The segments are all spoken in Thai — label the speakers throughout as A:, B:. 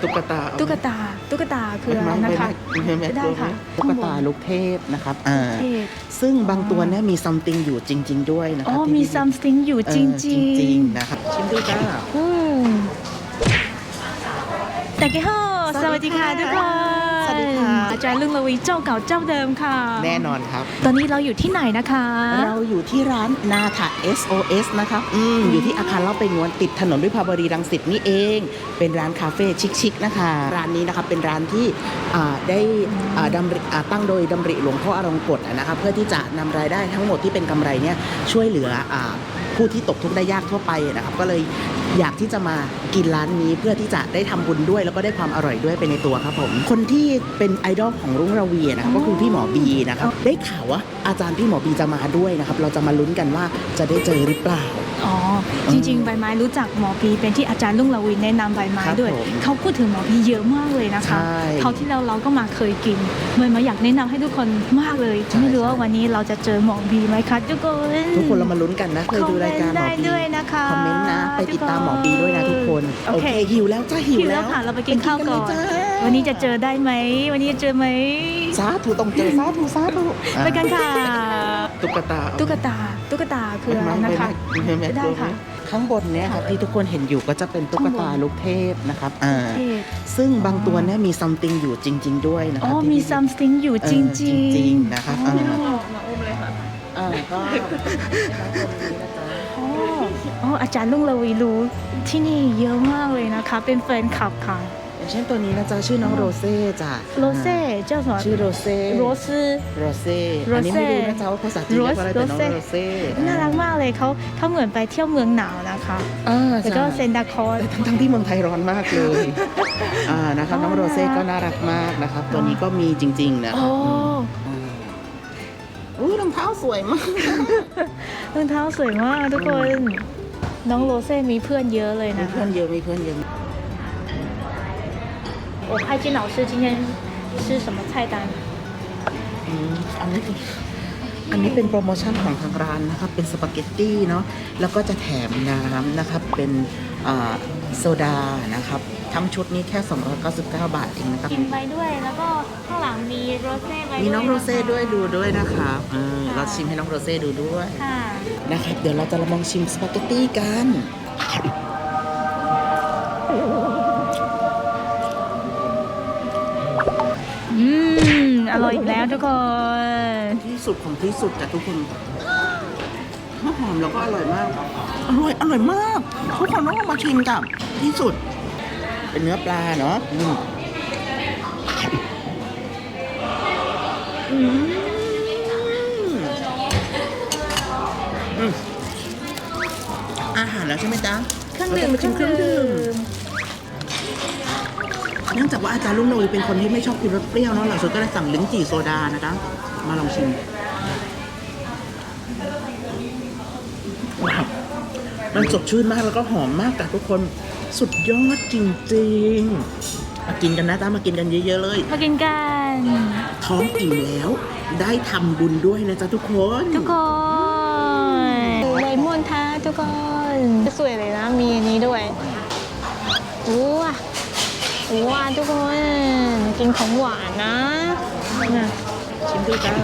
A: ตุ๊กตาคืออะไรนะคะได้ค่ะ
B: ตุ๊กตาลูกเทพนะครับซึ่งบางตัวเนี่ยมีซัมติงอยู่จริงๆด้วยนะครับ
A: มีซัมติงอยู่จริง
B: ๆนะครับชิมดูจ้า
A: แต่กี่ห้อสวัสดีค่ะทุกคน
B: สวัสดีค่ะ
A: อาจารย์ลุงละวีเจ้าเก่าเจ้าเดิมค่ะ
B: แน่นอนครับ
A: ตอนนี้เราอยู่ที่ไหนนะคะ
B: เราอยู่ที่ร้านนาถะ SOS นะครับอยู่ที่อาคารเล่าไปงวนติดถนนวิภาวดีรังสิตนี่เองเป็นร้านคาเฟ่ชิคๆนะคะร้านนี้นะครับเป็นร้านที่ได้ตั้งโดยดำริหลวงพ่ออรงกฎนะครับเพื่อที่จะนำรายได้ทั้งหมดที่เป็นกำไรเนี่ยช่วยเหลือผู้ที่ตกทุกข์ได้ยากทั่วไปนะครับก็เลยอยากที่จะมากินร้านนี้เพื่อที่จะได้ทำบุญด้วยแล้วก็ได้ความอร่อยด้วยไปในตัวครับผมคนที่เป็นไอดอลของรุ่งระวีนะครับก็คือพี่หมอบีนะครับได้ข่าวว่าอาจารย์พี่หมอบีจะมาด้วยนะครับเราจะมาลุ้นกันว่าจะได้เจอหรือเปล่า
A: จริงๆใบไม้รู้จักหมอบีเป็นที่อาจารย์ลุงละวีแนะนำใบไม้ด้วยเขาพูดถึงหมอบีเยอะมากเลยนะคะเขาที่เราก็มาเคยกินใบไม้อยากแนะนำให้ทุกคนมากเลยไม่รู้ว่าวันนี้เราจะเจอหมอบีไหมคะทุกคน
B: เรามาลุ้นกันนะเคยดูรายการหมอบี
A: ด้วยนะคะ
B: คอมเมนต์นะไปติดตามหมอบีด้วยนะทุกคนโอเคหิวแล้วจ้าหิวแล้ว
A: ค่ะเราไปกินข้าวก่อนวันนี้จะเจอได้ไหมวันนี้จะเจอไหม
B: สาธุต้องเจอสาธุ
A: ไปกันค่ะ
B: ตุ๊กตา
A: คืออะไรนะคะได้ค่ะ
B: ข้างบนเนี่ยครับที่ทุกคนเห็นอยู่ก็จะเป็นตุ๊กตาลูกเทพนะครับซึ่งบางตัวเนี่ยมีซัมติงอยู่จริงๆด้วยนะครับ
A: มีซัมติงอยู่จริง
B: ๆนะครับ
A: มาอุ้มเลยค่ะ
B: ก็
A: อาจารย์ลุงละวีรู้ที่นี่เยอะมากเลยนะคะเป็นแฟนคลับค่ะ
B: อย่างเช่นตัวนี้นะจ๊ะชื่อน้องโรเซ่จ้ะ
A: โรเซ่เจ้าสอน
B: ชื่อโรเซ่อันนี้ไม่รู้นะจ๊ะว่าภาษาจีนเรียกว่าอะไรแต่น้องโรเซ่
A: น่ารักมากเลยเขาเหมือนไปเที่ยวเมืองหนาวนะคะแล้วก็เซนดาคอส
B: ทั้งที่เมืองไทยร้อนมากเลยนะครับน้องโรเซ่ก็น่ารักมากนะครับตัวนี้ก็มีจริงๆนะรองเท้าสวยมาก
A: รองเท้าสวยมากทุกคนน้องโรเซ่มีเพื่อนเยอะเลยนะ
B: มีเพื่อนเยอะ
A: 我派金老师今天吃什么菜单
B: อันนี้เป็นโปรโมชั่นของทางร้านนะครับเป็นสปาเกตตี้เนาะแล้วก็จะแถมน้ำนะครับเป็นโซดานะครับทั้งชุดนี้แค่299 บาทเองนะครับ
A: กินไปด้วยแล้วก็ข้างหลังมีโรเซ่
B: มีน้องโรเซ่ด้วยดูด้วยนะครับเราชิมให้น้องโรเซ่ดูด้วยนะครับเดี๋ยวเราจะลองชิมสปาเกตตี้กัน
A: อร่อยอีกแล้วทุกคน
B: ที่สุดของที่สุดแต่ทุกคนหอมแล้วก็อร่อยมากอร่อยมากทุกคนต้องมาชิมกับที่สุดเป็นเนื้อปลาเนาะอาหารแล้วใช่ไหมจ๊ะ
A: เครื่องดื่ม
B: เนื่องจากว่าอาจารย์ลุงโนยเป็นคนที่ไม่ชอบกินรสเปรี้ยวเนาะเราสุดก็เลยสั่งลิ้นจี่โซดานะคะมาลองชิมมันสดชื่นมากแล้วก็หอมมากแต่ทุกคนสุดยอดจริงๆมากินกันนะจ๊ะมากินกันเยอะๆเลย
A: มากินกัน
B: ท้องอิ่มแล้วได้ทำบุญด้วยนะจ๊ะทุกคน
A: เลมอนท้าทุกคนสวยเลยนะมีอันนี้ด้วยว้าทุกคนกินของหวานนะ
B: ชิมดูจ้า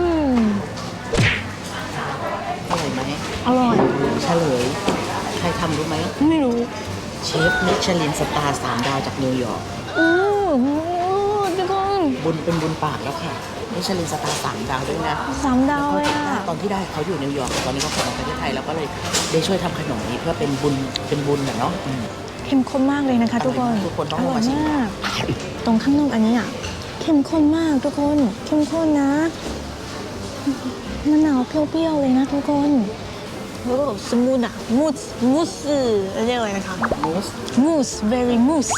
B: อร่อยไหม
A: อร่อย
B: เฉลยใครทำรู้ไหม
A: ไม่รู้
B: เชฟมิชลินสตาร์3 ดาวจากนิวยอร์ก
A: ทุกคน
B: บุญเป็นบุญปากแล้วค่ะมิชลินสตาร์3 ดาวด้วยนะ
A: 3 ดาวเลย
B: ตอนที่ได้เขาอยู่นิวยอร์กตอนนี้เขากลับมาประเทศไทยแล้วก็เลยได้ช่วยทำขนมนี้เพื่อเป็นบุญเนาะ
A: เข้มข้นมากเลยนะคะทุกคน
B: ต้องมาชิม
A: ตรงข้างนอกอันนี้เข้มข้นมากทุกคนเข้มข้นนะมะนาวเปรี้ยวๆเลยนะทุกคนแล้วก็สมูทมูสเรียกอะไรนะคะมูส very mousse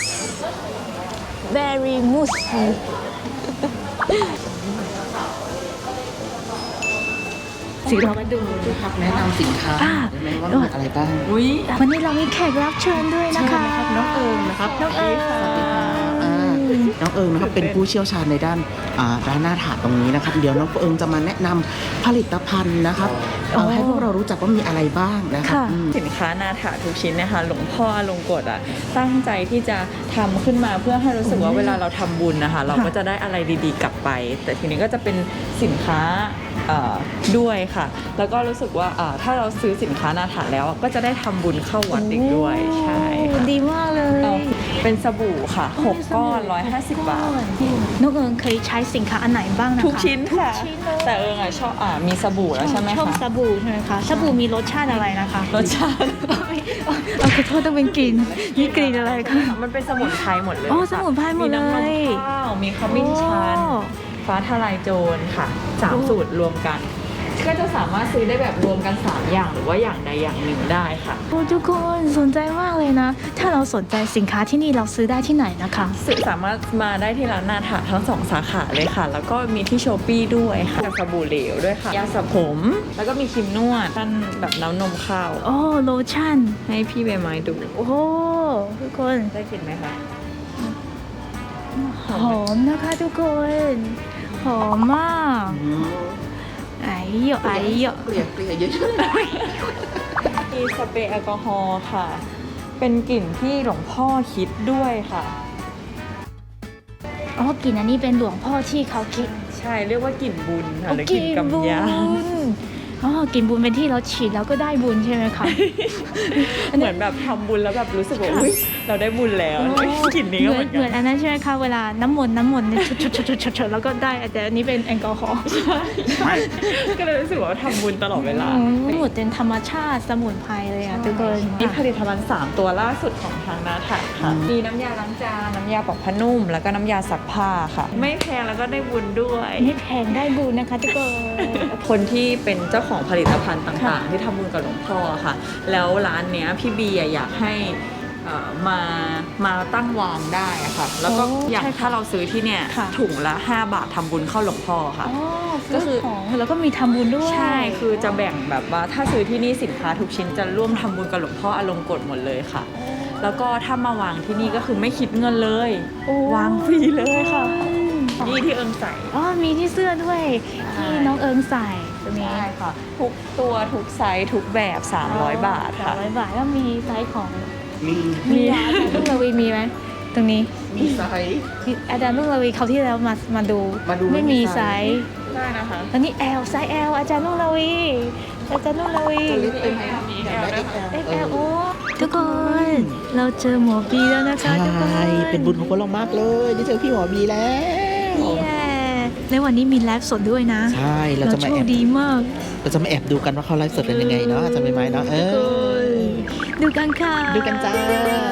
A: เรามาดู
B: พักแนะนำสินค้าได้ไหมว่ามีอะไรบ้าง
A: วันนี้เรามีแขกรับเชิญด้วยนะคะ
B: น้องเอิงนะครับ
A: น้องเอิง
B: น้องเอิงนะครับเป็นผู้เชี่ยวชาญในด้านร้านหน้าถาดตรงนี้นะครับเดี๋ยวน้องเอิงจะมาแนะนำผลิตภัณฑ์นะครับให้พวกเรารู้จักว่ามีอะไรบ้างนะครับ
C: สินค้านาถาทุกชิ้นนะคะหลวงพ่ออลงกฎตั้งใจที่จะทำขึ้นมาเพื่อให้รู้สึกว่าเวลาเราทำบุญนะคะเราก็จะได้อะไรดีๆกลับไป แต่ทีนี้ก็จะเป็นสินค้าด้วยค่ะแล้วก็รู้สึกว่าถ้าเราซื้อสินค้านาถาแล้วก็จะได้ทำบุญเข้าวัดอีกด้วยใช่ค่ะ
A: ดีมากเลย
C: เป็นสบู่ค่ะ6ก้อน150 บาท
A: น้องเอิงเคยใช้สินค้าอันไหนบ้างนะคะ
C: ทุกชิ้นค่ะ
A: ทุกชิ้นเลย
C: แต่เอิงชอบมีสบู่แล้วใช่ไหม
A: ชอบ
C: คะ
A: สบู่ใช่ไหมคะสบู่มีรสชาติอะไรนะคะ
C: รสชาติ
A: เอาขอโทษต้องเป็นกลิ่นมีกลิ่นอะไรคะ
C: มันเป็นสมุนไพรหมดเลย
A: อ๋อ
C: ค่ะ
A: สมุนไพรหมดเลย
C: มีน้ำนมข้าวมีขมิ้นชัน
A: โอ้
C: ฟ้าทลายโจรค่ะ3สูตรรวมกัน ก็จะสามารถซื้อได้แบบรวมกัน3อย่างหรือว่าอย่างใดอย่างหนึ่งได้ค่ะ
A: โอ้ทุกคนสนใจมากเลยนะ ถ้าเราสนใจสินค้าที่นี่เราซื้อได้ที่ไหนนะคะ
C: สามารถมาได้ที่ร้านนาถาทั้ง2สาขาเลยค่ะ แล้วก็มีที่โชปี้ด้วยค่ะสบู่เหลวด้วยค่ะยาสระผม แล้วก็มีครีมนวดท่านแบบน้ำนมข้าว
A: โอ้โลชั่น
C: ให้พี่ใบไม้ดู
A: โอ้ทุกคน
C: ได้กลิ่นไหมคะ
A: หอมนะคะทุกคนหอมมากไอ้เหี้ยไอ้เหี้ย
B: เกลี่ยเยอะ
C: มีสเปรย์แอลกอฮอล์ค่ะ เป็นกลิ่นที่หลวงพ่อคิดด้วยค่ะ
A: อ๋อกลิ่นอันนี้เป็นหลวงพ่อที่เขาคิด
C: ใช่เรียกว่ากลิ่นบุญค่ะหรือกลิ่นกำยาน
A: อ๋อกลิ่นบุญเป็นที่เราฉีดแล้วก็ได้บุญใช่ไหมคะ
C: เหมือนแบบทำบุญแล้วแบบรู้สึกว่าอุ๊ยเราได้บุญแล้วกลิ่นนี้ก็เหมือน
A: เหมื
C: กั
A: อน
C: น
A: อันนั้นใช่ไหมคะเวลาน้ำมนต์เนี่ยชดแล้วก็ได้แต่อันนี้เป็นแอลกอฮอล์
C: ก็เลยรู้สึกว่าทำบุญตลอดเวลา
A: หมดเป็นธรรมชาติสมุนไพรเลยอ่ะทุกคน
C: มีผลิตภัณฑ์3ตัวล่าสุดของทางนาถาค่ะ มีน้ำยาล้างจานน้ำยาปอกผ้านุ่ม แล้วก็น้ำยาซักผ้าค่ะ ไม่แพงแล้วก็ได้บุญด้วย
A: ไม่แพงได้บุญนะคะทุกคน
C: คนที่เป็นเจ้าของผลิตภัณฑ์ต่างๆ ที่ทำบุญกับหลวงพ่อค่ะ แล้วร้านเนี้ยพี่บีอยากให้มาตั้งวางได้อะค่ะ แล้วก็
A: โอ้
C: อย่าง
A: ใช่ค่ะ
C: ถ้าเราซื้อที่เนี่ย
A: ค่ะ
C: ถุงละ5 บาททำบุญเข้าหลวงพ่อค่ะ
A: อ๋อ
C: ก็
A: ก็
C: คื
A: คือ
C: อ
A: ของแล้วก็มีทำบุญด้วย
C: ใช่คือจะแบ่งแบบว่าถ้าซื้อที่นี่สินค้าทุกชิ้นจะร่วมทำบุญกับหลวงพ่ออลงกฎหมดเลยค่ะ แล้วก็ถ้ามาวางที่นี่ก็คือไม่คิดเงินเลย
A: โอ้
C: วางฟรีเลยค่ะนี่ที่เอิงใส่
A: อ๋อมีที่เสื้อด้วยที่น้องเอิงใส่ตรงนี้
C: ใช่ค่ะทุกตัวทุกไซส์ทุกแบบ300 บาทค่ะ
A: 300 บาทแล้วมีไซส์ของ
B: มี
A: มีอาจารย์ลุงระวีมีไหมตรงนี้
B: มีไซส์
A: อาจารย์ลุงระวีเขาวที่แล้วมาดู
B: มาดู
A: ไม่มีไซส์
C: ได้นะคะ
A: อันนี้ L ไซส์ L อาจารย์ลุงระวีอาจารย์ลุงระวี
C: มีแอลด้วยค่ะ
A: XL โอ้ทุกคนเราเจอหมอบีแล้วนะคะ
B: ใช่
A: ทุกคน
B: เป็นบุญของพวกเรามากเลยได้เจอพี่หมอบีแล้ว
A: เย้ในวันนี้มีไลฟ์สดด้วยนะ
B: ใช่เราจะมา
A: โช
B: แอ
A: ค
B: บ
A: ดีมาก
B: เราจะมาแอบดูกันว่าเขาไลฟ์สดกันยังไงเนาะจะไม่ไหมเนาะ
A: ดูกันค่ะ
B: ดูกันจ้า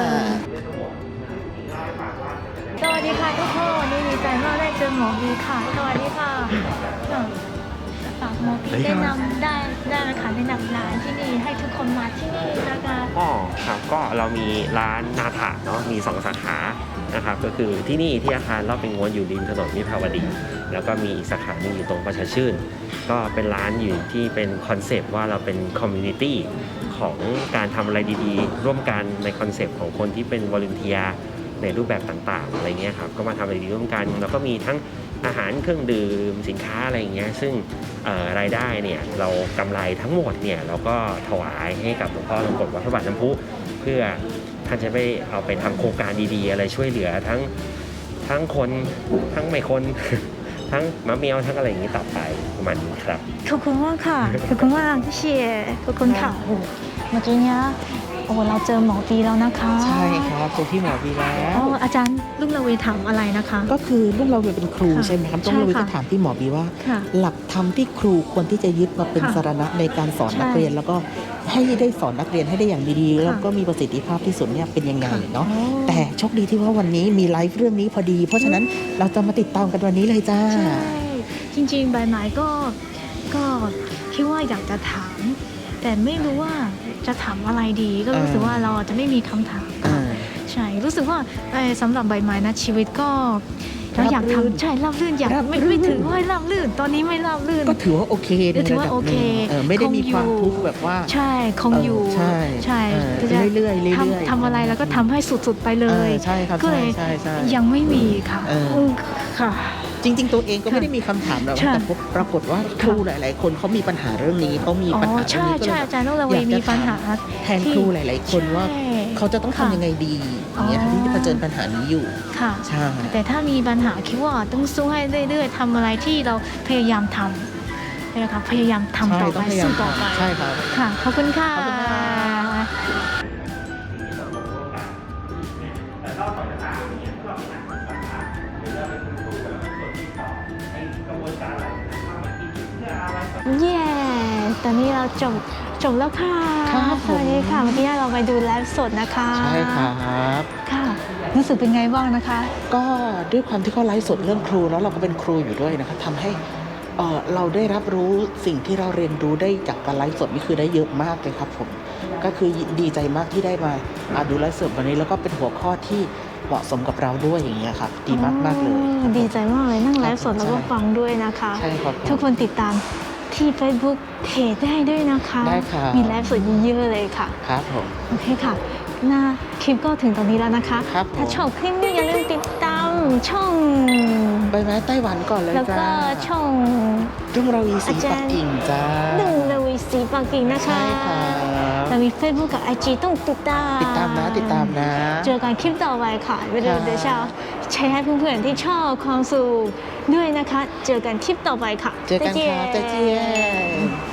A: สวัสดีค่ะทุกคนวันนี้ดีใจมากได้เจอหมอบีค่ะสวัสดีค่ะฝากหมอบีแนะนำได้นะคะแนะนำร้านที่นี่ให้ทุกคนมาที่นี่นะคะ
D: อ๋อครับก็เรามีร้านนาถะเนาะมี2 สาขานะครับก็คือที่นี่ที่อาคารรอบเป็นง้วนอยู่ริมถนนวิภาวดี แล้วก็มีอีกสาขาหนึงอยู่ตรงประชาชื่น ก็เป็นร้านอยู่ที่เป็นคอนเซปต์ว่าเราเป็นคอมมูนิตี้ของการทำอะไรดีๆ ร่วมกันในคอนเซปต์ของคนที่เป็นวอล u n เทียในรูปแบบต่างๆอะไรเงี้ยครับก็มาทำอะไรดีร่วมกันแล้วก็มีทั้งอาหารเครื่องดื่มสินค้าอะไรอย่างเงี้ยซึ่งรายได้เนี่ยเรากำไรทั้งหมดเนี่ยเราก็ถวายให้กับหลวงพ่ออลงกฎวัดพระบาทน้ำพุเพื่อท่านจะไปเอาไปทำโครงการดีๆ อะไรช่วยเหลือทั้งคนทั้งไม่คน ทั้งมะเมียวทั้งอะไรอย่างนี้ต่อไปประมาณนี้ครับ
A: ขอบคุณมากค่ะขอบคุณมากที่เชียร์ขอบคุณค่ะโอ้โหเมื่อกี้เนี้ยโอ้เราเจอหมอบีแล้วนะคะ
B: ใช่ครับเจอพี่หมอบีแล้ว
A: อ๋ออาจารย์ลุงระเวถามอะไรนะคะ
B: ก็คือลูกเราเป็นครู
A: ค่ะ
B: ใช่ไหมครับ
A: ใช่
B: ต้องเรา
A: ค่ะ
B: จะถามพี่หมอบีว่า
A: ค่ะ
B: หลักธรรมที่ครูควรที่จะยึดมาเป็น
A: ค่ะ
B: สรณะในการสอน
A: ใช่
B: นักเรียน แล้วก็ให้ได้สอนนักเรียนให้ได้อย่างดีๆ
A: ค่ะ
B: แล้วก็มีประสิทธิภาพที่สุดเนี่ยเป็นยังไง
A: ค่ะ
B: เนาะ
A: อ๋อ
B: แต่โชคดีที่ว่าวันนี้มีไลฟ์เรื่องนี้พอดี เพราะฉะนั้นเราจะมาติดตามกันวันนี้เลยจ้า
A: ใช่จริงๆใบไม้ก็คิดว่าอยากจะถาม แต่ไม่รู้ว่าจะถามอะไรดี ก็รู้สึกว่าเราจะไม่มีคำถาม
B: อ่า
A: ใช่รู้สึกว่าสำหรับใบไม้นะชีวิตก็เราอยาก
B: ราบรื่น
A: ทำใช่ราบรื่นอยาก
B: ราบ
A: ไม่
B: รื่น
A: ถือว่าราบรื่นตอนนี้ไม่ราบรื่น
B: ก็ถือว่าโอเคใน
A: ถือ
B: ระ
A: ว่า
B: ดับ
A: โอ
B: ห
A: เค
B: นึ่งไม่ได้มีความ
A: คงอยู่
B: ทุกข์แบบว่า
A: ใช่คงอยู่
B: ใช่
A: ใช่
B: เออ
A: จะ
B: เรื่อยๆเรื่อยๆ
A: ทำอะไรแล้วก็ทำให้สุดๆไปเลย
B: ใช่ครับ
A: ก็เลย
B: ใช่ใช่
A: ยังไม่มีค่ะ
B: เออ
A: ค่ะ
B: จริง ๆ ตัวเองก็ไม่ได้มีคำถามหรอก
A: ใช่
B: แต่ปรากฏว่าครูหลาย ๆ คนเขามีปัญหาเรื่องนี้เขามี
A: อ๋อ
B: ปัญหาเรื่อง
A: ใช่
B: นี้ก็
A: ใช่
B: เลย
A: อาจารย์ต้องระ
B: อ
A: เวย
B: าก
A: มี
B: จะ
A: ปัญหา
B: แทนครูหลาย ๆ คนว่า
A: ใช่
B: เขาจะต้องทำยังไงดีอย่างเงี้ย
A: อ๋อ
B: ที่เผชิญปัญหานี้อยู่
A: ค่ะ
B: ใช่
A: แต่ถ้ามีปัญหาคิดว่าต้องสู้ให้เรื่อยๆทำอะไรที่เราพยายามทำนะคะพยายามทำต่อ
B: ต้
A: ไป
B: องพยายา
A: สู้
B: ม
A: ต่อไป
B: ใช่ครับ
A: ค่ะขอบคุณค่ะ
B: ขอบคุณค่ะ
A: เย้ตอนนี้เราจบแล้วค่ะ
B: ครับ
A: สวัสดีค่ะเมื่อกี้เราไปดูไลฟ์สดนะคะ
B: ใช่ครับ
A: ค่ะ รู้สึกเป็นไงบ้างนะคะ
B: ก็ด้วยความที่เขาไลฟ์สดเรื่องครูแล้วเราก็เป็นครูอยู่ด้วยนะครับทำให้เราได้รับรู้สิ่งที่เราเรียนรู้ได้จากการไลฟ์สดนี่คือได้เยอะมากเลยครับผมก็คือดีใจมากที่ได้มาดูไลฟ์สดวันนี้แล้วก็เป็นหัวข้อที่เหมาะสมกับเราด้วยอย่างเงี้ยครับดีมากๆเลยครับผม
A: ดีใจมากเลยนั่งไลฟ์สด
B: ครับ
A: แล้วก็ฟังด้วยนะคะ
B: ใช่ครับผม
A: ทุกคนติดตามที่ Facebook เพจได้ด้วยนะคะ
B: ได้ครับ
A: มีไลฟ์สดเยอะๆเลยค่ะ
B: ครับผม
A: โอเคค่ะ หน้าคลิปก็ถึงตอนนี้แล้วนะคะ
B: ครับผม
A: ถ้าชอบคลิปนี้อย่าลืมติดตามช่อง
B: ไปไหมไต้หวันก่อนเลย
A: แล้ว
B: จ้า
A: ก็ช่อง
B: รุ่งเราวีสีปักกิ่งจ้า
A: หนึ่งระวีสีปักกิ่งนะคะ
B: ใช่ครับ
A: เรามี Facebook กับ IG ต้องติดตาม
B: ติดตามนะ
A: เจอกันคลิปต่อไปค่ะเดี๋ยวจะแชร์ให้เพื่อนๆที่ชอบความสุขด้วยนะคะ เจอกันคลิปต่อไปค่ะ
B: เจอกันค่ะ
A: 再见
B: 再见